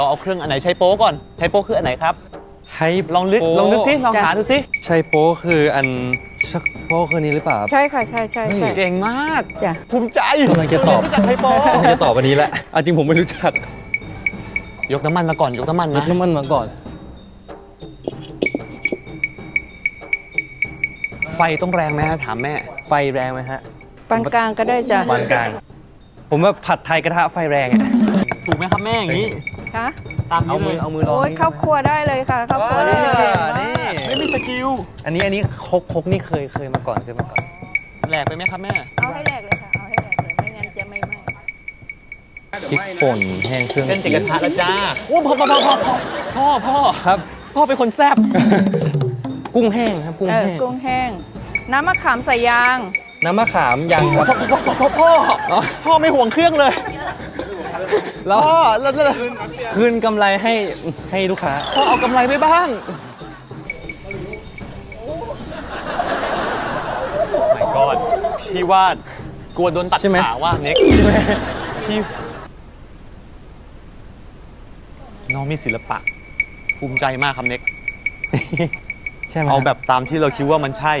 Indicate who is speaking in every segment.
Speaker 1: เอาเครื่องอันไหนใช้โป๊ก่อนใช้โป๊คืออันไหนครับ
Speaker 2: ให้
Speaker 1: ลองนึกสิลองหาดูสิ
Speaker 2: ใช่โป๊คืออันโป๊คือนี้หรือเปล่าครับ
Speaker 3: ใช่ค่ะใช่ใช่ใช่
Speaker 1: เก่งมาก
Speaker 3: จ้ะ
Speaker 1: ภูมิใจ
Speaker 2: กำลังจะตอบ
Speaker 1: รู้จักใช้โป๊
Speaker 2: กำลังจะตอบวันนี้แหละจริงผมไม่รู้จัก
Speaker 1: ยกน้ำมันมาก่อนยกน้ำมัน
Speaker 2: ย
Speaker 1: นะ
Speaker 2: กน้ำมันมาก่อน
Speaker 1: ไฟต้องแรงไหมถามแม่
Speaker 2: ไฟแรงไหมฮะ
Speaker 3: ปานกลางก็ได้จ้ะ
Speaker 2: ปานกลางผมว่าผัดไทยกระทะไฟแรงอะ
Speaker 1: ถูกไหมครับแม่อย่างนี้
Speaker 3: คะ
Speaker 1: ตามนี้เลย
Speaker 2: เอามือลอง
Speaker 3: โอ้ยเข้าครัวได้เลยค่ะเข้าครัวได้เลย
Speaker 2: นี่
Speaker 1: ไม่มีสกิล
Speaker 2: อันนี้ครกนี่เคยมาก่อนเคยมาก่อน
Speaker 1: แหลกไปไหมครับแม่
Speaker 3: เอาให้แหลกเลยค่ะเอาให้แหลกเลยไม่งั้นจะไม่ไหม้
Speaker 2: พริกป่นแห้งเครื่อง
Speaker 1: เส้นจิกกระทะแล้วจ้าโอ้พ่อ
Speaker 2: ครับ
Speaker 1: พ่อเป็นคนแซ่บ
Speaker 2: กุ้งแห้งครับกุ้งแห้ง
Speaker 3: กุ้งแห้ง น้ำมะขามใส่ยาง
Speaker 2: น้ำมะขามยังครับ
Speaker 1: พ่อไม่ห่วงเครื่องเลย
Speaker 2: แล้ว
Speaker 1: พ่อแล้ว
Speaker 2: คืนกำไรให้ลูกค้า
Speaker 1: พ่อเอากำไรไปบ้างไม่กอดพี่ว่ากลัวโดนตัด
Speaker 2: ใช่ไหม
Speaker 1: ขาว่าเน็ก
Speaker 2: ใช่ไหม
Speaker 1: พี่น้องมีศิลปะ ภูมิใจมากครับเน็ก
Speaker 2: ใช่ไหม
Speaker 1: เอาแบบตามที่เราคิดว่ามันใช่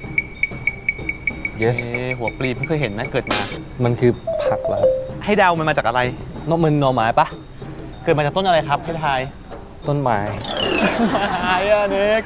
Speaker 2: yes
Speaker 1: หัวปลีเพิ่งเคยเห็นนะเกิดมา
Speaker 2: มันคือผักเหรอครับ
Speaker 1: ให้เดามันมาจากอะไร
Speaker 2: นกมันหน่อไม้ปะ
Speaker 1: เกิดมาจากต้นอะไรครับให้ทาย
Speaker 2: ต้นไม้
Speaker 1: ไม้อะเน็ก